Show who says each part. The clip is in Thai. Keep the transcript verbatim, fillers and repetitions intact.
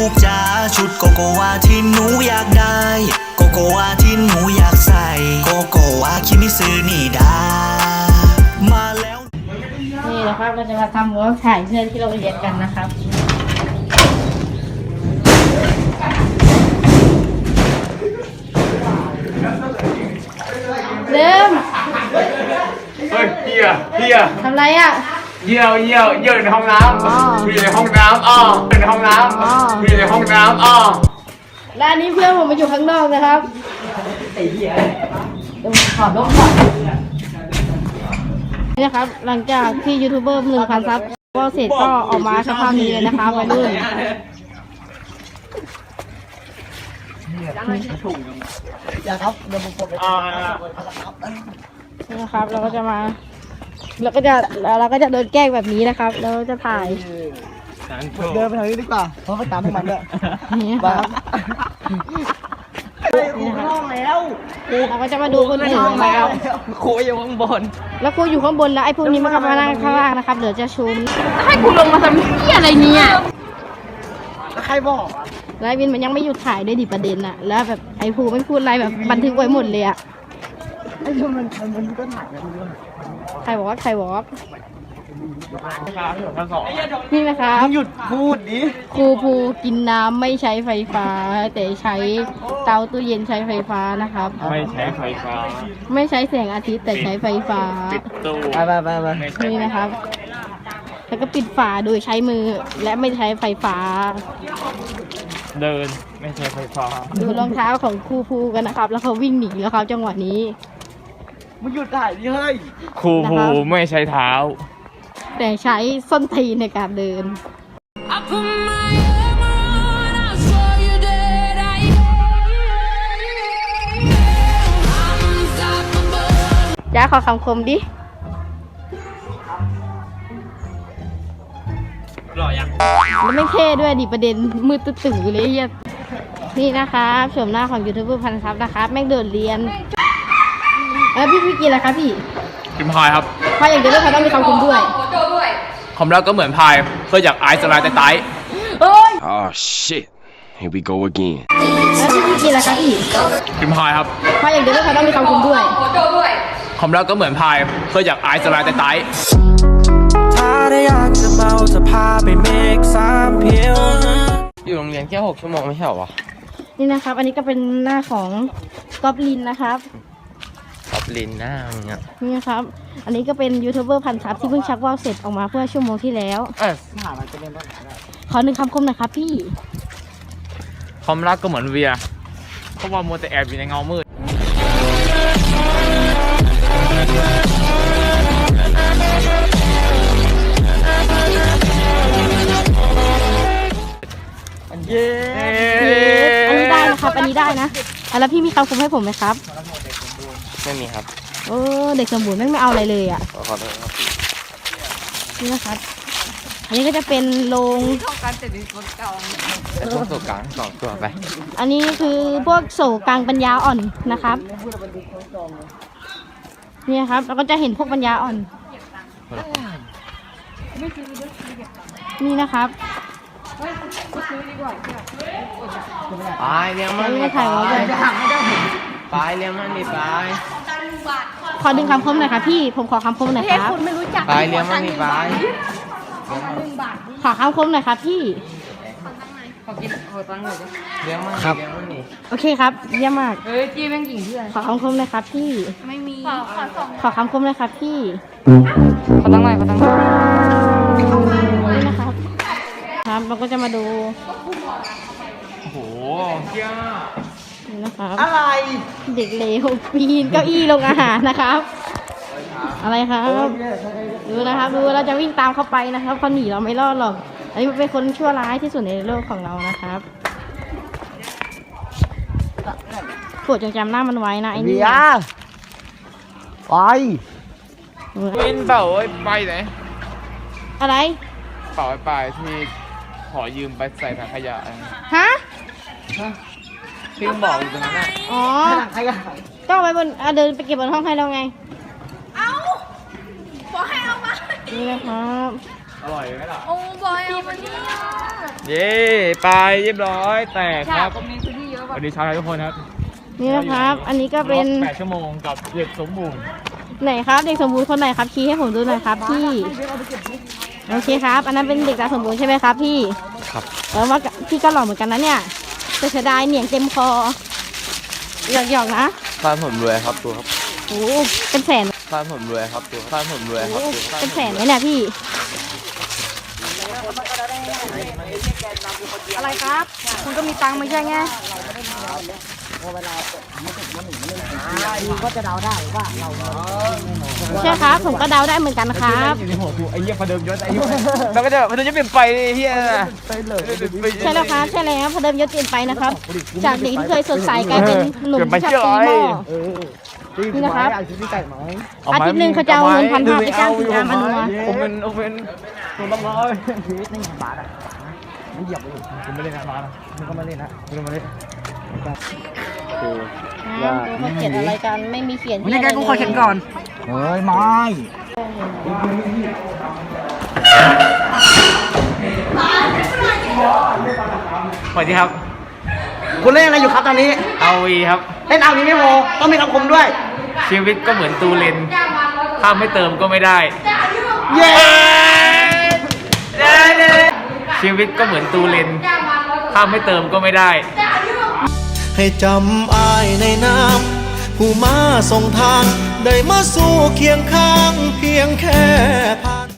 Speaker 1: กจ๋าชุดโกโกวาที่หนูอยากได้โกโกวาที่หนูอยากใส่โกโกวาคิมิซึนี่ดามาแล้ว
Speaker 2: นี่นะครับเราจะมาทำหัวถ่ายเสื้อที่เราเรียนกันนะครับเริ่ม
Speaker 3: เฮ้ยเฮียเฮีย
Speaker 2: ทำไรอ่ะ
Speaker 3: เยี่ยวเยี่ยวเยี่ยวในห้องน้ำอยู่ในห้องน้ำอ๋ออยู่ในห้องน้ำอยู่ในห้องน้ำอ๋อ
Speaker 2: แล้วอันนี้เพื่อนผมมาอยู่ข้างนอกนะครับไอ้เหี้ยเดี๋ยวผมขอลบก่อนนี่นะครับหลังจากที่ยูทูบเบอร์หนึ่งพันซับก็เสร็จก็ออกมาสภาพนี้เลยนะคะวัยรุ่นอย่าครับเดี๋ยวผมกดไปนี่นะครับเราก็จะมาเราก็จะเราก็จะโดนแกล้งแบบนี้นะครับเราจะถ่าย
Speaker 4: เดินไปทางนี้ดีกว่าเพราะไปตามพวกมันด้วย
Speaker 2: นี่ครับ
Speaker 4: ครูห้องแล้ว
Speaker 2: เราก็จะมาดูคนอื่นนะครับ
Speaker 4: ครูอยู่ข้างบน
Speaker 2: แล้วครูอยู่ข้างบนแล้วไอ้พวกนี้มันก็มานั่งข้างล่างนะครับเดี๋ยวจะชุมให้ครูลงมาทำเหี้ยอะไรเนี่ย
Speaker 4: ใครบอก
Speaker 2: ไลฟ์วินมันยังไม่หยุดถ่ายด้วยดิประเด็นอะแล้วแบบไอ้ภูไม่พูดอะไรแบบบันทึกไว้หมดเลยอะ
Speaker 4: ไอ้มันมันมันก็ถ่ายกันด้วย
Speaker 2: ใครบอกว่าใครบอกนี่นะครับ
Speaker 4: หยุดพูดดิ
Speaker 2: ครูภูกินน้ำไม่ใช้ไฟฟ้าแต่ใช้เตาตู้เย็นใช้ไฟฟ้านะครับ
Speaker 3: ไม่ใช้ไฟฟ้า
Speaker 2: ไม่ใช้แสงอาทิตย์แต่ใช้ไฟฟ้า
Speaker 4: ไปไปไปไป
Speaker 2: นี่นะครับแล้วก็ปิดฝาโดยใช้มือและไม่ใช้ไฟฟ้า
Speaker 3: เดินไม่ใช้ไฟฟ้า
Speaker 2: ดูรองเท้าของครูภูกันนะครับแล้วเขาวิ่งหนีแล้วครับจังหวะนี้
Speaker 4: มันหยุดถ่ายดิเฮ้ย
Speaker 3: ครูภูไม่ใช้เท้า
Speaker 2: แต่ใช้ส้นตีนในการเดินจ้าขอคำคมดิ
Speaker 3: หล่อยัง
Speaker 2: แล้วไม่เท่ด้วยดิประเด็นมืดตึ๊งๆอยู่เลยนี่นะครับชมหน้าของยูทูบเบอร์พันซับนะครับแม่งเดินเรียนแล้วพี่พี่กินอะไรครับพี่
Speaker 3: กินพายครับ
Speaker 2: พายอย่างเดียวไม่พอต้องมีคำคมด้วย
Speaker 3: ความรักก็เหมือนพายเพื่ออยากไอซ์สลายแต่ไต
Speaker 5: Oh shit here we go again
Speaker 2: แล้วพี่พี่กินอะไรครับพี่
Speaker 3: กินพายครับ
Speaker 2: พายอย่างเดียวไม่พอต้องมีคำคมด้วย
Speaker 3: ความรักก็เหมือนพายเพื่ออยากไอซ์สลายแต่ไต
Speaker 1: ถ้าได้อยากจะเมาจะพาไปเมกสามเพียว
Speaker 3: อยู่โรงเรียนแค่หกชั่วโมงไม่ใช่หรอ
Speaker 2: นี่นะครับอันนี้ก็เป็นหน้าของก๊อบลินนะครับ
Speaker 3: ก๊อบลินหน้าเนี่ย
Speaker 2: นี่นะครับอันนี้ก็เป็นยูทูบเบอร์พันซับที่เพิ่งชักว่าวเสร็จออกมาเพื่อชั่วโมงที่แล้ว
Speaker 3: เออ
Speaker 2: ขอหนึ่งคำคมหน่อยครับพี่
Speaker 3: ความรักก็เหมือนเวียเพราะว่ามัวแต่แอบอยู่ในเงามืด
Speaker 2: เย้อันนี้ได้นะครับอันนี้ได้นะแล้วพี่มีคำคมให้ผมไหมครับ
Speaker 3: ไม่มีครับ
Speaker 2: โอ้เด็กสมบูรณ์ไม่ไม่เอาอะไรเลยอ่ะ
Speaker 3: ขอโทษครับ
Speaker 2: นี่นะครับอันนี้ก็จะเป็นโรง
Speaker 3: ช่องการเสร็จในคนเก่าโรงโศกกลางสองตัวไป
Speaker 2: อันนี้คือพวกโศกกลางปัญญาอ่อนนะครับนี่ครับเราก็จะเห็นพวกปัญญาอ่อนนี่นะครับ
Speaker 3: ไปเลี้ยงมัน
Speaker 2: ไม่ถ่ายไว้เลย
Speaker 3: ไปเลี้ยงมันดิไป
Speaker 2: ขอดึงคำคมหน่อยค่ะพี่ผมขอคำคมหน่อยครับ
Speaker 3: ไปเลี้ยงมันดิไป
Speaker 2: ขอคำคมหน่อยครับพี่
Speaker 3: ขอกินขอตังค์หน่อยเลี้ยงมันเลี้ยงมันดิ
Speaker 2: โอเคครับเยี่ยมมาก
Speaker 3: เฮ้ยจี้แม่งหญิงเพื่อน
Speaker 2: ขอคำคมหน่อยครับพี่ไม่มีขอขอสองขอคำคมหน่อยครับพี่
Speaker 3: ขอตังค์หน่อยขอตังค์หน่อย
Speaker 2: นี่นะครับครับเราก็จะมาดู
Speaker 3: โอ้โหเยี่ยม
Speaker 2: นี่นะครับ
Speaker 4: อะไร
Speaker 2: เด็กเลวปีนเก้าอี้ลงอาหารนะครับอะไรครับดูนะครับดูเราจะวิ่งตามเขาไปนะครับเขาหนีเราไม่รอดหรอกอันนี้เป็นคนชั่วร้ายที่สุดในโลกของเรานะครับโปรดจงจำหน้ามันไว้นะไอ้นี่
Speaker 4: ไป
Speaker 3: วินเป่าไปไหน
Speaker 2: อะไร
Speaker 3: เป่าไปที่ขอยืมไปใส่ถังขยะ
Speaker 2: ฮะ
Speaker 3: ที่บอกอยู่ตรงนั้นน่ะ
Speaker 2: อ๋อก็ไปบนเดินไปเก็บบนห้องให้เราไงเอาขอให้เอามานี่นะครับ
Speaker 3: อร่อยไหมล่ะ
Speaker 2: โอ้บอยเอามาเนี่ย
Speaker 3: เย้ไปเรียบร้อยแตกครับสวัสดีชาวไทยทุกคนครับ
Speaker 2: นี่นะครับ อันนี้ก็เป็น
Speaker 3: แปดชั่วโมงกับเด็กสมบูรณ์
Speaker 2: ไหนครับเด็กสมบูรณ์คนไหนครับชี้ให้ผมดูหน่อยครับพี่โอเคครับ อันนั้นเป็นเด็กตาสมบูรณ์ใช่ไหมครับพี่ครับแล้วว่าพี่ก็หล่อเหมือนกันนะเนี่ยแต่เสียดายเหนียงเต็มคอหยอกๆนะ
Speaker 6: บ้านผมรวยครับตัวครับ
Speaker 2: โอ้เป็นแสน
Speaker 6: บ้านผมรวยครับตัวบ้านผมรวยครับตัว
Speaker 2: เป็นแสนไหมเนี่ยพี่อะไรครับคุณก็มีตังค์ไม่ใช่ไงใช่ครับผมก็เดาได้เหมือนกันครับ
Speaker 3: อยู่ในหัวกูไอ้เหี้ยพอเดิมยศไอ้เหี้ยแล้วก็จะพอเดิมยศเปลี่ยนไปไอ้เหี้ย
Speaker 2: ใช่แล้วครับใช่แล้วพอเดิมยศเปลี่ยนไปนะครับ จากเด็กที่เคยสดใสกลายเป็นหนุ่มที่ชอบตีหม้อนี่นะครับอาทิตย์หนึ่งเขาจะเอาเงินพันห้าไปจ้างคุณอามอนุมา
Speaker 3: ผมเป็นผมเป็นตัวละร้อย
Speaker 4: ชีวิตนี่บาทอ่ะมันเหยียบไปอยู่
Speaker 3: ผมไม่เล่นนะมานะ
Speaker 4: มันก็มาเล่นนะ
Speaker 3: ไม่ต้องมาเล่น
Speaker 2: ดูเขาเขียนอะไรกันไม่มีเขียน
Speaker 4: นี่ไงกูขอเขียนก่อนเฮ้ยไม่
Speaker 3: สวัสดีครับ
Speaker 4: คุณเล่นอะไรอยู่ครับตอนนี้
Speaker 3: เอาวีครับ
Speaker 4: เล่นเอานี้ไม่พอต้องมีคำคมด้วย
Speaker 3: ชีวิตก็เหมือนตูเลนถ้าไม่เติมก็ไม่ได้
Speaker 4: เย้
Speaker 3: ชีวิตก็เหมือนตูเลนถ้าไม่เติมก็ไม่ได้
Speaker 1: ให้จำอายในน้ำผู้มาส่งทาง ได้มาสู่เคียงข้างเพียงแค่พา